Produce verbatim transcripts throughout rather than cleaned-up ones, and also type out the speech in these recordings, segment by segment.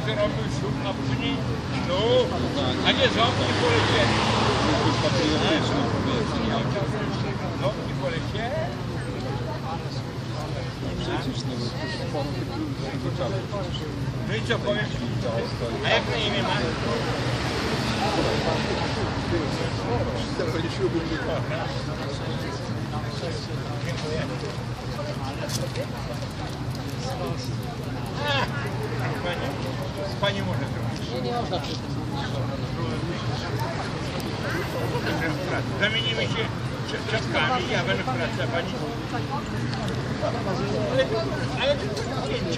to robił ślub, a później no, a nie zombie polecieli. Zombie polecieli. No i co powiem? A jak na imię ma? Pani może zrobić. Nie można przy tym. Zamienimy się czapkami, ja będę w pracy, a pani... Ale, ale to zdjęcie.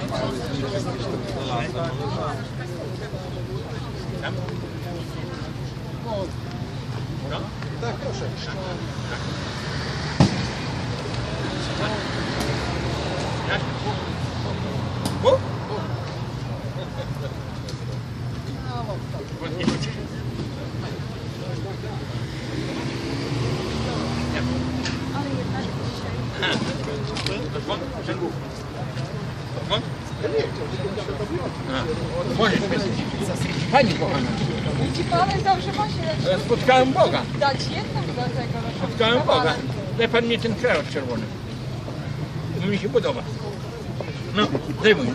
Tam? No? Tak, proszę. Jak? Bu? Podnieście? Ale jednak dzisiaj. Wąt? Wąt? Możesz Pani kochana. Widzi pan, dobrze ma się Spotkałem Boga. dać jedną do tego. Spotkałem Boga. Daj pan mnie ten krawat czerwony. Bo mi się podoba. No, zdejmuj.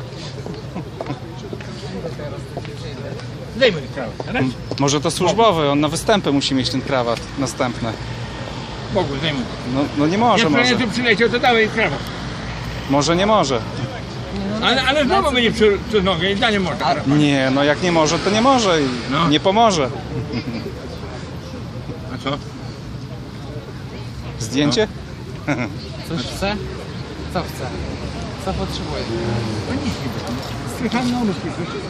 Zdejmuj krawat. Raz. Może to służbowy, on na występy musi mieć ten krawat następny. Bogu, zdejmuj. No, no nie może, Jak może. tu przyleciał, to dawaj krawat. Może nie może. Ale, ale znowu będzie przy, przez nogę i dalej może. krawat. Nie, no jak nie może, to nie może i No. nie pomoże. A co? Zdjęcie? Coś chce? Co chce? Co potrzebuje? No nic nie Słychałem na ulicy.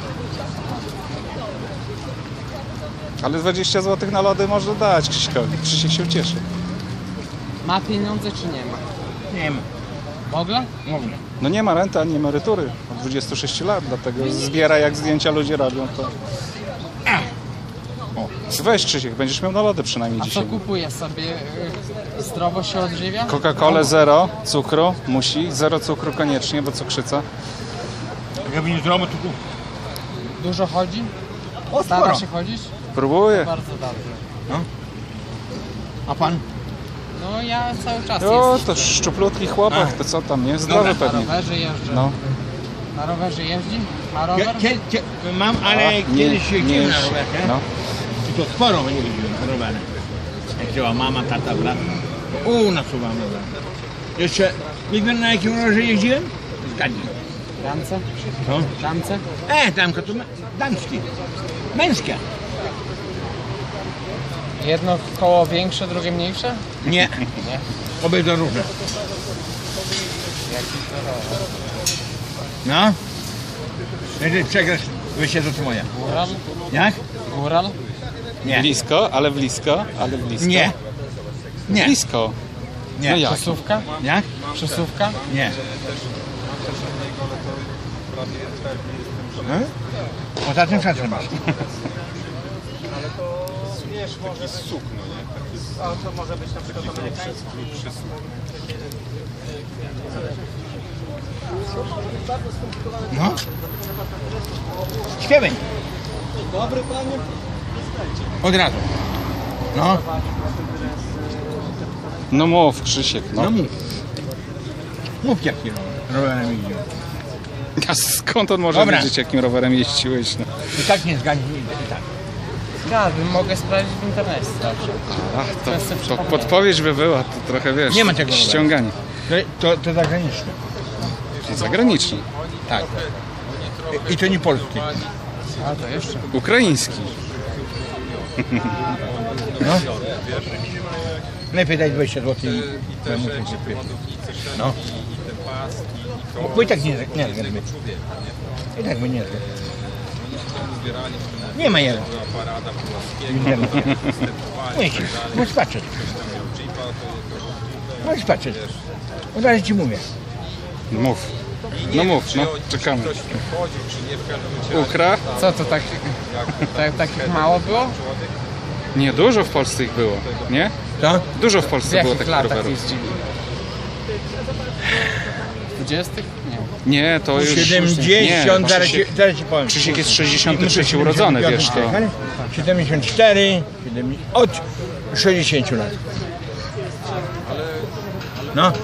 Ale dwadzieścia złotych na lody może dać Krzyśkowi. Krzysiek się ucieszy. Ma pieniądze czy nie ma? Nie ma. Mogę? Mogę. No nie ma renty ani emerytury od dwudziestu sześciu lat, dlatego zbiera jak zdjęcia ludzie robią to. O, weź Krzysiek, będziesz miał na lody przynajmniej A co dzisiaj. kupuje sobie? y, Zdrowo się odżywia? Coca-Colę zero cukru, musi, zero cukru koniecznie, bo cukrzyca. Jakby nie zrobił, to kup. Dużo chodzi? O, Stara sporo. się chodzić? Próbuję. Bardzo dobrze. A pan? No ja cały czas O, jestem. to szczuplutki chłopak, to co tam, nie? Zdrowy Dobra. Na pewnie. rowerze jeżdżę. No. Na rowerze jeździ? Ma Ja, rower? kie, kie, mam, ale A, kiedyś się jeździłem na jeszcze. rowerze. No. I to sporo nie jeździłem na rowerze. Jak wzięła mama, tata, brat. U, nasuwam rower. Jeszcze, wie pan na jakim rowerze jeździłem? Zgadnij. Damce? Co? Damce? E, damka to damskie. Męskie. Jedno koło większe, drugie mniejsze? Nie. Nie. Obydwa różne. Jaki to rower? No. Jeżeli przegrasz, wyjście to moja. Góral? Jak? Góral? Nie. Blisko, ale blisko, ale blisko. Nie. Nie. Blisko. Nie. No jak? Przesuwka? Jak? Przesuwka? Nie. Hmm? Poza tym szacun masz. No. Śpiewaj. Dobry panie. Od razu. No. No mów Krzysiek, No no. mów. Mów jaki rowerem idzie. A skąd on może Dobra. wiedzieć, jakim rowerem jeździłeś? No. I tak nie zgadnij. I tak. Zgadłem, mogę sprawdzić w internecie zawsze. A, Często to, to przypomnę. podpowiedź by była, to trochę wiesz. Nie ma tego roweru. ściąganie. To, to, to zagraniczne. Zagraniczny. Tak. I, I to nie polski. A to jeszcze? Ukraiński. No. Lepiej daj dwadzieścia złotych i ja muszę się kupić. No. Bo i tak nie, nie zgadł. I tak by nie zgadł. Nie ma jeden. Musisz, możesz patrzeć. Możesz patrzeć. Od razu ci mówię. Mów. No mów, no, czekamy. Ukra? Co to tak, tak, takich mało było? Nie, dużo w Polsce ich było, nie? Co? Dużo w W Polsce było jakich takich latach rowerów. jeździli? W dwudziestych? Nie. Nie, to już... siedemdziesiąt, nie, zaraz, Krzysiek, ci, zaraz ci powiem. Krzysiek jest sześćdziesiąty trzeci urodzony, wiesz to. siedemdziesiąt cztery, siedemdziesiąt, od sześćdziesięciu lat. No.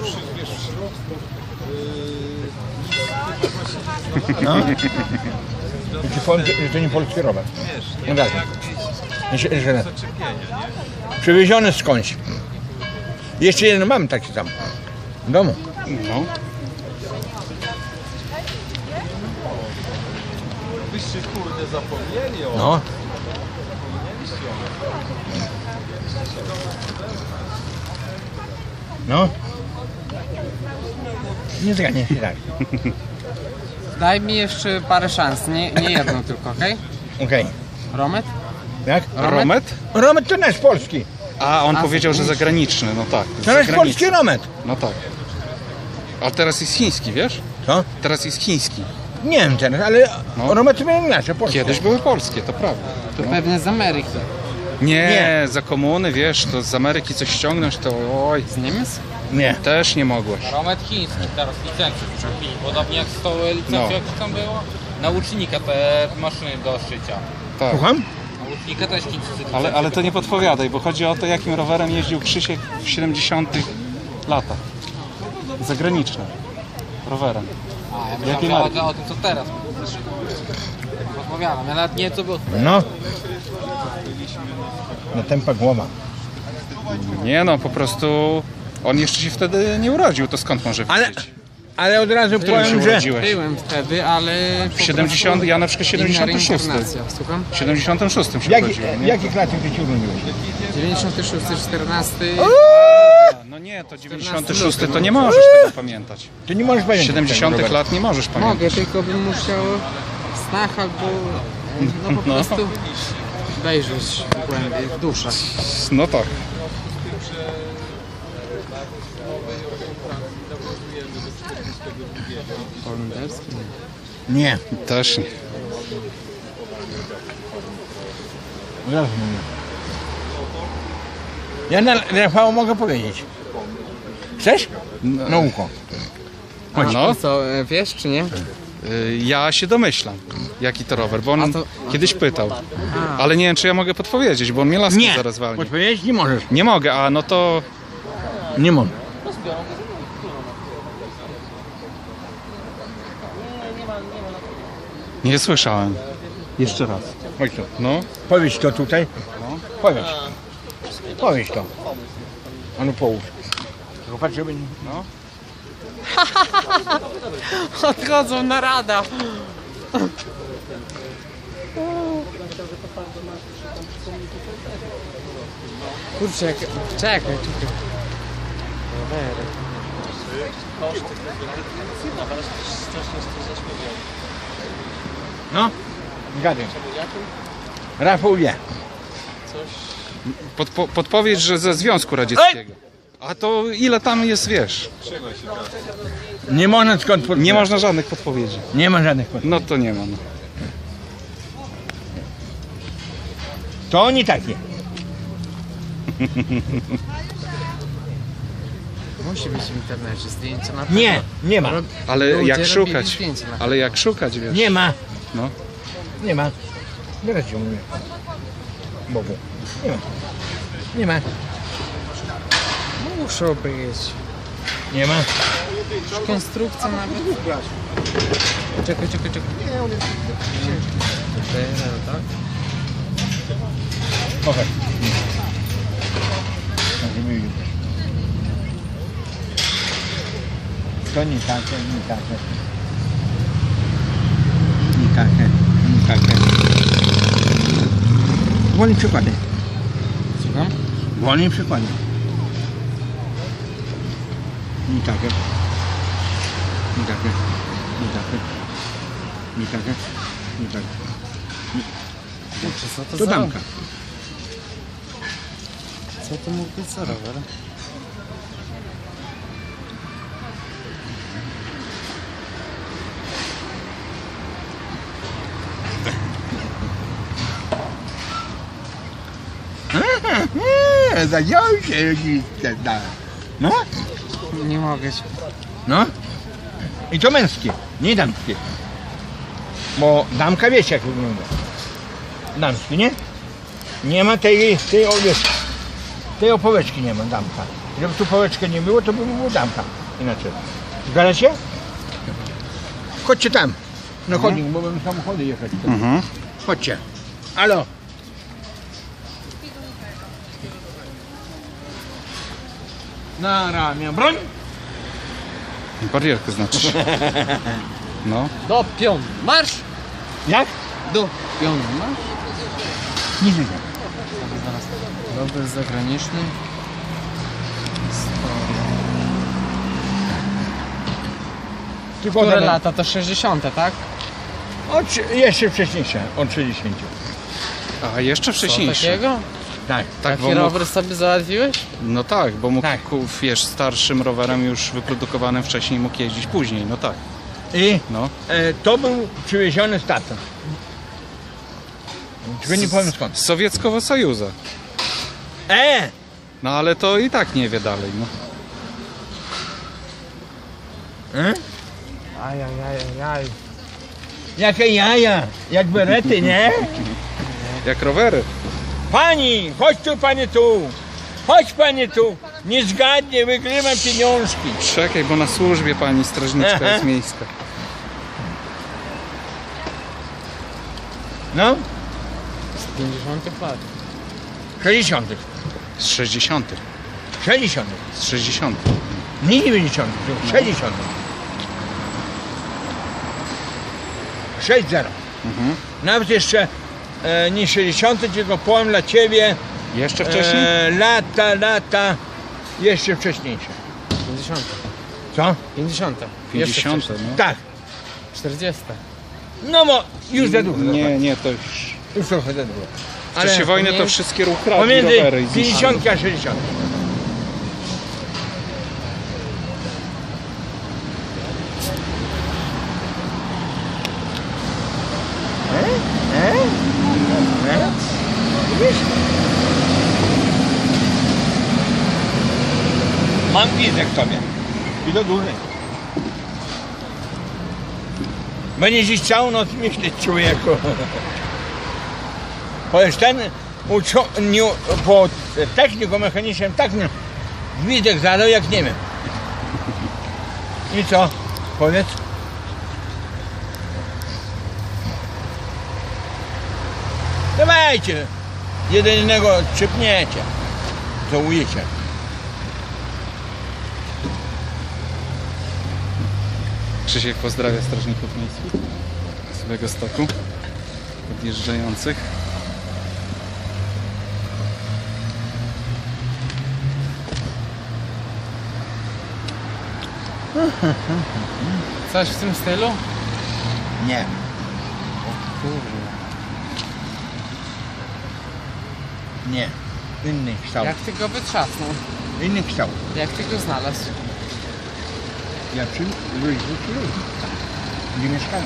No. I ci powiem, że to nie polski rower. No tak. Jeszcze, jeszcze raz. Przywieziony skądś. Jeszcze jeden mam taki tam. W domu. No. Byście kurde zapomnieli o... No. No. Nie zgadnie się tak. Daj mi jeszcze parę szans, nie, nie jedną tylko, okej? Okej. Romet? Jak? Romet? Romet to nasz polski. A, on A, powiedział, że zagraniczny, no tak. To nasz zagraniczny. polski romet. No tak. A teraz jest chiński, wiesz? Co? Teraz jest chiński. Nie wiem teraz, ale No. romety były nasze, polskie. Kiedyś były polskie, to prawda. To pewnie z Ameryki. Nie, Nie. za komuny, wiesz, to z Ameryki coś ściągnąć, to oj, Z Niemiec? Nie. też nie mogłeś. Romet chiński, teraz licencję przyczepili, podobnie jak z tą licencją, No. jak tam było. Na łucznika te maszyny do szycia. Tak. Słucham? Na łucznika też chińscy Ale, ale to nie podpowiadaj, bo chodzi o to, jakim rowerem jeździł Krzysiek w siedemdziesiątych latach. Zagranicznym rowerem. A, ja Jakiej myślałem, marki? że o tym co teraz. Rozmawiałem, ja nawet nie co było. No. Na tempa głowa. Nie no, po prostu on jeszcze się wtedy nie urodził, to skąd może Ale, wiedzieć? ale od razu W którym się powiem, że... urodziłeś? Byłem wtedy, ale... W siedemdziesiątym, ja na przykład siedemdziesiątym szóstym. Słucham? W siedemdziesiątym szóstym się Jaki, urodziłem, nie? jaki klasie ty się urodziłeś? dziewięćdziesiąty szósty, czternasty... No nie, to dziewięćdziesiąty szósty to nie możesz tego pamiętać. Ty nie możesz pamiętać. siedemdziesiątych tego lat nie możesz pamiętać. Mogę, tylko bym musiał w snach albo e, no po prostu wejrzeć głębiej, w duszę. No tak. Holenderski? Nie. Też nie. Od razu mówię. Ja na Rafał mogę powiedzieć. Chcesz? Na ucho. No, Co, e, wiesz czy nie? y, ja się domyślam, jaki to rower, bo on A to- kiedyś pytał. Ale nie wiem, czy ja mogę podpowiedzieć, bo on mnie laską Nie. zaraz walnie. Odpowiedzieć nie możesz. Nie mogę, a no to... Nie możesz. Nie słyszałem. Jeszcze raz. Chodź tu. No. Powiedz to tutaj. Powiedz. Powiedz to. A no połóż. Tylko patrz, żeby nie... No. Odchodzą na rada. Kurczę, jak... czekaj, czekaj. No. Gadaj. Rafał wie. Podpo podpowiedź, że ze Związku Radzieckiego. A to ile tam jest, wiesz? Nie można skąd podpowiedzieć. Nie można żadnych podpowiedzi. Nie ma żadnych podpowiedzi. No to nie ma. No. To oni takie. Musi być w internecie zdjęcie na pewno. Nie, nie ma. Ale Ludzie jak robili szukać? zdjęcia na Ale jak szukać, wiesz? Nie ma. No. Nie ma. Teraz ci mówię. Bogu. Nie ma. Nie ma. Muszą być. Nie ma. Konstrukcja nawet. Czekaj, czekaj, czekaj. Teraz, tak? Pokaż. Tak, żeby widzieć. To nie takie, nie takie. Nie takie, nie takie. Wolne przykłady. Słucham? Wolne przykłady. Nie takie. Nie takie. Nie takie. Nie takie. Nie takie. Kurczę, co to, To za... damka. Co to mógł być za rower? Zadział się da. No? Nie mogę się. No? I to męskie. Nie damskie. Bo damka wiecie jak wygląda. Damski, nie? Nie ma tej, tej owieczki. Tej opoweczki nie ma, damka. Gdyby tu poweczkę nie było, to by było damka. Inaczej. Zgadzacie? Chodźcie tam. Na chodnik, bo będą samochody jechać. Mhm. Chodźcie. Alo. Na ramię broń. Barierkę znaczy. No. Do pion marsz! Jak? Do pion marsz! Nie wiem. Rower zagraniczny. Tylko Które one- lata? To sześćdziesiąte, tak? Od, trzy- jeszcze wcześniejsze, od trzydziestego. A jeszcze Co wcześniejszy. takiego? Tak. Tak, bo Taki mógł, rower sobie załatwiłeś? no tak, bo mógł, Tak. ku- wiesz, starszym rowerem już wyprodukowanym wcześniej mógł jeździć później, no tak. I No. e, to był przywieziony z tatą. Tylko nie powiem skąd. Z Sowieckiego Sojuza. E! No ale to i tak nie wie dalej, no. e? Ajajajajaj. Jakie jaja, jak berety, nie? Jak rowery. Pani, chodź tu, pani tu. Chodź pani tu. Nie zgadnie, wygrywam pieniążki. Czekaj, bo na służbie pani strażniczka Aha. jest miejska. No, Z pięćdziesiątych lat. sześćdziesiątych. Z sześćdziesiątych. sześćdziesiątych. Z sześćdziesiątych. Nie dziewięćdziesiątych, tylko sześćdziesiątych. sześć zero. Mhm. Nawet jeszcze e, nie sześćdziesiąty, tylko powiem dla ciebie Jeszcze wcześniej? e, lata, lata jeszcze wcześniejsze. pięćdziesiąte. Co? pięćdziesiąte. pięćdziesiąte, no. Tak. czterdzieste. No bo już za dużo. Nie, nie, to już... Już trochę za dużo. W czasie wojny to pomiędzy- wszystkie ukradli Pomiędzy rowery i zniszczyli. pięćdziesiąt a sześćdziesiąt. Mam widzę w tobie. I to duży. Będziesz dziś całą noc myśleć, człowieku. Chociaż ten uczo, nie, po techniku mechanicznym tak nie. Widzek zadał jak nie wiem. I co? Powiedz. Dawajcie. Jeden innego czypniecie. Żałujecie. Krzysiek pozdrawia strażników miejskich z Białegostoku, odjeżdżających. Coś w tym stylu? Nie. Nie. Inny kształt. Jak ty go wytrzasnął? Inny kształt. Jak ty go znalazł? Ja przy ludzi, ludzi. Gdzie mieszkałem.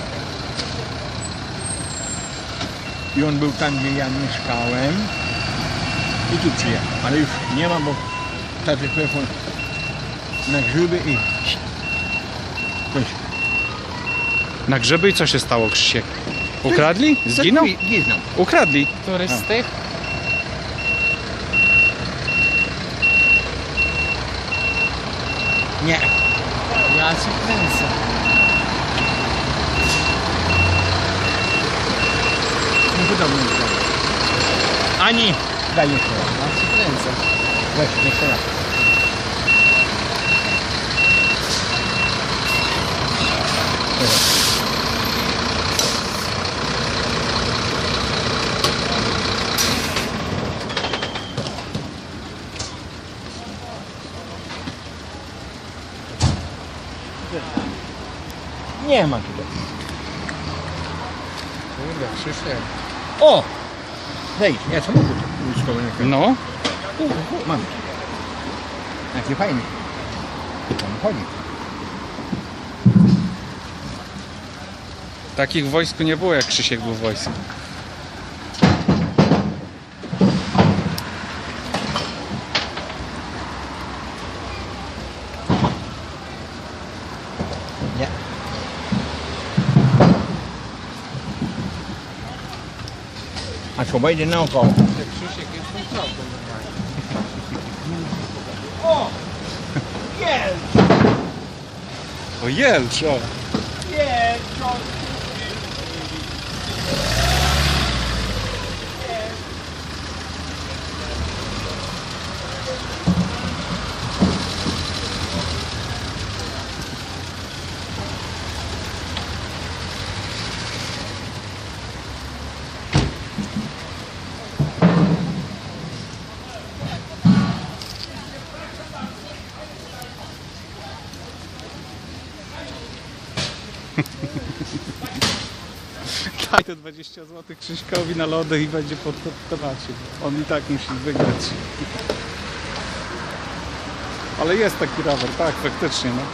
I on był tam, gdzie ja mieszkałem. I tu przyjechał. Ale już nie ma, bo taty pojechał na grzyby i... Weź. Na grzyby i co się stało, Krzysiek? Ukradli? Zginął? Zginął. Ukradli. Któryś z tych? Nie. Ja cię kręcę. Nie podobno nie zginął. Ani... Daj jeszcze raz. Ja cię kręcę. Weź, jeszcze raz. Nie ma tutaj. Kurde, Krzysiek. O! Wejdź, ja samochód wojskowy nie kręcę. No, U, u, mam. Jaki fajny. Tam chodzi. takich w wojsku nie było, jak Krzysiek był w wojsku. Nie. A co, wejdzie naokoło. Jak Krzysiek jest tą tropą normalnie. O Jelcz, o. Daj te dwadzieścia złotych Krzyśkowi na lody i będzie pod temacie. On i tak musi wygrać. Ale jest taki rower, tak, faktycznie, no.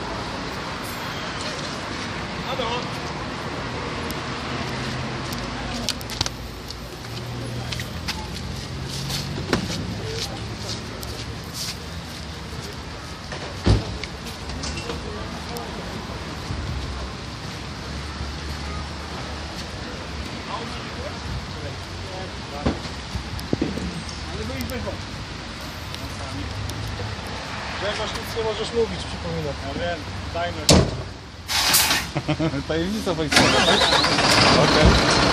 Grzegorz, nic nie możesz mówić, przypominam. Ja wiem, dajmy. Tajemnica wojskowa, tak? Okej.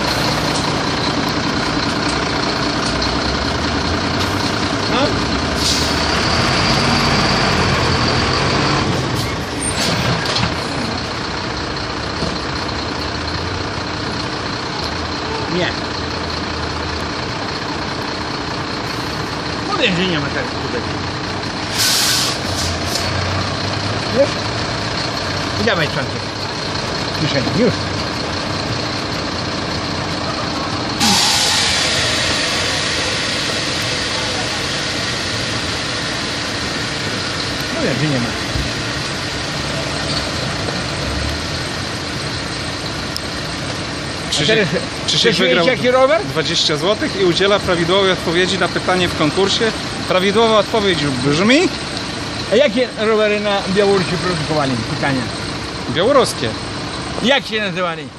No. Nie. Mówię, że nie ma tak tutaj. Wiesz? I dawaj czantek. Kieszeni, już. Mówię, że nie ma. Krzysiek, teraz- Krzysiek chcesz wygrał wiedzieć, jaki rower? dwadzieścia złotych i udziela prawidłowej odpowiedzi na pytanie w konkursie. Prawidłowa odpowiedź brzmi A jakie rowery na Białorusi produkowali? Pytanie. białoruskie. Jak się nazywali?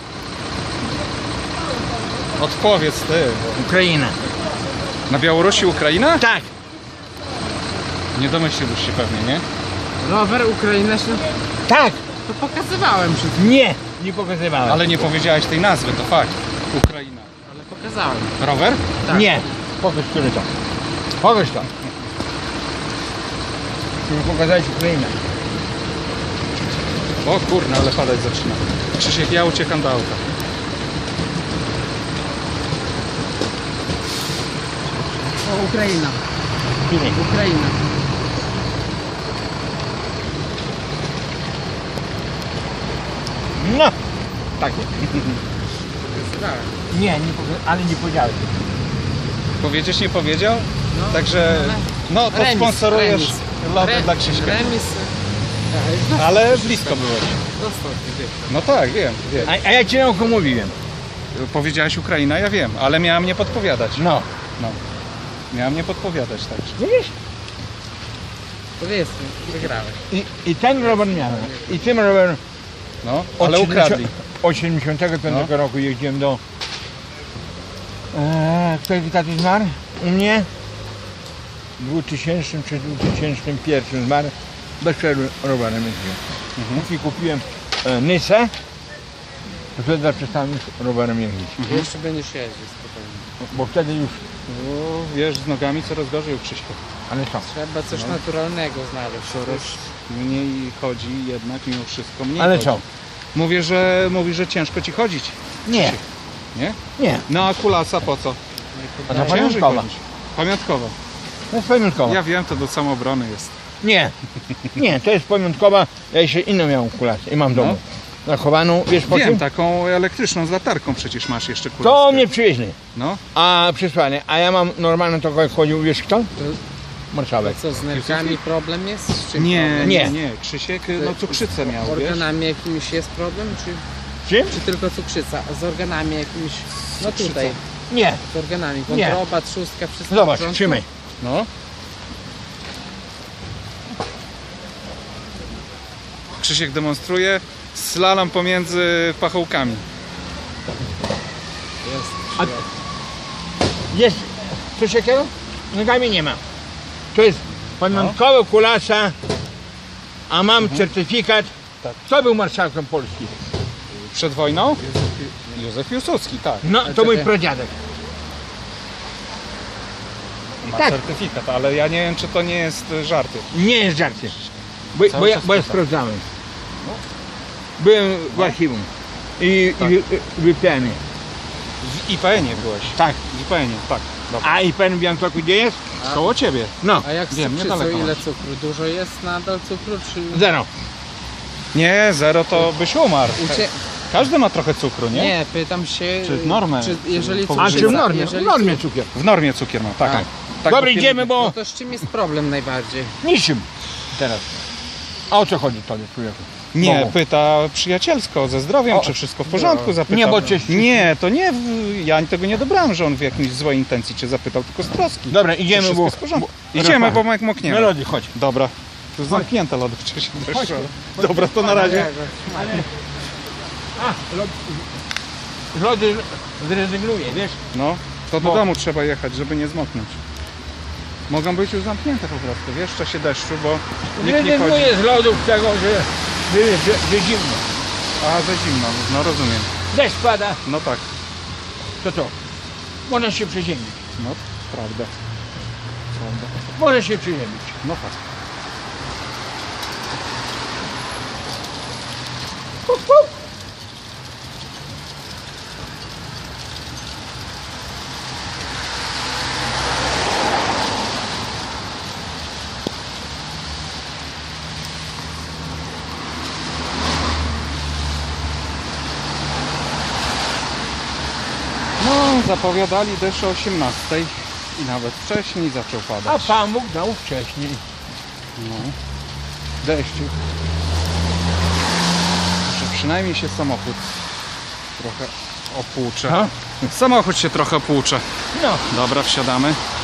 Odpowiedz ty. Ukraina. Na Białorusi Ukraina? Tak. Nie domyśliłbyś się pewnie, nie? Rower Ukraina się... Tak. To pokazywałem przed... Nie. Nie pokazywałem. Ale nie powiedziałeś tej nazwy, to fakt. Ukraina. Ale pokazałem. Rower? Tak. Nie. Pokaż, który to. Pokaż to. Chcę pokazać Ukrainę. O kurna, ale padać zaczyna. Krzysiek, ja uciekam do auta. O, Ukraina. Który? Ukraina. No. Takie. Pokazywałem. Nie, nie poka- ale nie powiedziałeś. Powiedzieć nie powiedział? No, Także ale- no to Remis, sponsorujesz remis. lody Re- dla Krzyśka. Remis. e, Ale blisko byłeś. Dostał ty. No tak, wiem, wiem. A, a ja ci na oko mówiłem. Powiedziałeś Ukraina, ja wiem, ale miałem nie podpowiadać. No. No. Miałem nie podpowiadać także. Widzisz? Powiedzmy, wygrałeś. I, I ten rower miałem. I tym rowerem No, od ale ukradli. siedemdziesiątego Od siedemdziesiątego piątego No. roku jeździłem do... E, który tatuś zmarł? U mnie? W dwutysięcznym czy dwutysięcznym pierwszym zmarł. Bez przerwy rowerem jeździłem. Mhm. Póki kupiłem e, Nysę, to wtedy przestałem już rowerem jeździć. Jeszcze będziesz jeździł spokojnie. Bo wtedy już... O, wiesz, z nogami coraz gorzej u Krzyśka. Ale co? Trzeba coś naturalnego znaleźć. Coraz mniej chodzi jednak mimo wszystko mniej Ale chodzi. co? Mówię, że mówi, że ciężko ci chodzić. Nie. Nie? Nie. No a kulasa po co? A to Ciężej pamiątkowa. chodzić. Pamiątkowa. To jest pamiątkowa. Ja wiem, to do samoobrony jest. Nie. Nie, to jest pamiątkowa. Ja jeszcze inną miałem kulasę i mam w domu. Zachowaną, wiesz po Wiem, czym? taką elektryczną z latarką przecież masz jeszcze kulaskę. To mnie przywieźli. No, A przysłanie, a ja mam normalną taką jak chodził, wiesz kto? Marszałek. Co, z nerkami problem jest? Z czym nie, problem? nie, Nie. nie. Krzysiek no cukrzycę miał, wiesz? Organami jakimiś jest problem, czy, Czym? czy tylko cukrzyca? A z organami jakimiś... No Cukrzyca. tutaj, Nie. z organami. Nie. Wątroba, trzustka, wszystko w Zobacz, porządku? trzymaj. No. Krzysiek demonstruje slalom pomiędzy pachołkami. Jest. A- Jest coś takiego? Nogami nie ma. To jest pamiątkowe kulasa, a mam certyfikat. Tak. Kto był marszałkiem Polski? Przed wojną? Józef Piłsudski, tak. No, to mój pradziadek. Ma Tak. certyfikat, ale ja nie wiem, czy to nie jest e, żarty. Nie jest żarty. Bo, Cały bo, ja, czas bo ja pytam. sprawdzałem. Byłem w archiwum i, Tak. i wy- w I P N-ie. W I P N-ie byłeś. Tak. W I P N-ie, tak. Dobra. A I P N w Białymstoku gdzie jest? Koło ciebie. No, A jak z Wiem, cukrzycą, niedaleko ile masz. cukru? Dużo jest nadal cukru, czy... zero. Nie, zero to byś umarł. Ucie... Każdy ma trochę cukru, nie? Nie, pytam się... Czy w normę? Czy jeżeli Czy A Cukrzyca. czy w normie? W jeżeli normie cukier. W normie cukier ma, tak. Tak. tak Dobra, bo idziemy, No bo to z czym jest problem najbardziej? niczym teraz. A o co chodzi tobie, człowieku? Nie, Bo- pyta przyjacielsko, ze zdrowiem, O, czy wszystko w porządku, zapytał. nie, bo cię- Nie, to nie, w- ja tego nie dobrałem, że on w jakiejś złej intencji cię zapytał, tylko z troski. Dobra, Czy idziemy, wszystko bo... jest w porządku. bo- Idziemy, Rafał, bo jak mokniemy. Melody, chodź. Dobra. To jest zamknięte lody wcześniej. Dobra, to na razie. A, lody, lody zrezygnuję, wiesz? No, to do Bo- domu trzeba jechać, żeby nie zmoknąć. Mogą być już zamknięte po prostu, wiesz, w czasie deszczu, bo nikt nie chodzi. Zrezygnuję z lodów tego, że, że, że, że zimno. A, za zimno, no rozumiem. Deszcz pada, No tak, to to. Można się przeziębić. no prawda. Prawda. Można się przeziębić. No tak. No, zapowiadali deszcz o osiemnastej i nawet wcześniej zaczął padać. A Pan Bóg dał wcześniej. No. Deszczu. Że przynajmniej się samochód trochę opłucze. A? Samochód się trochę opłucze. No, Dobra, wsiadamy.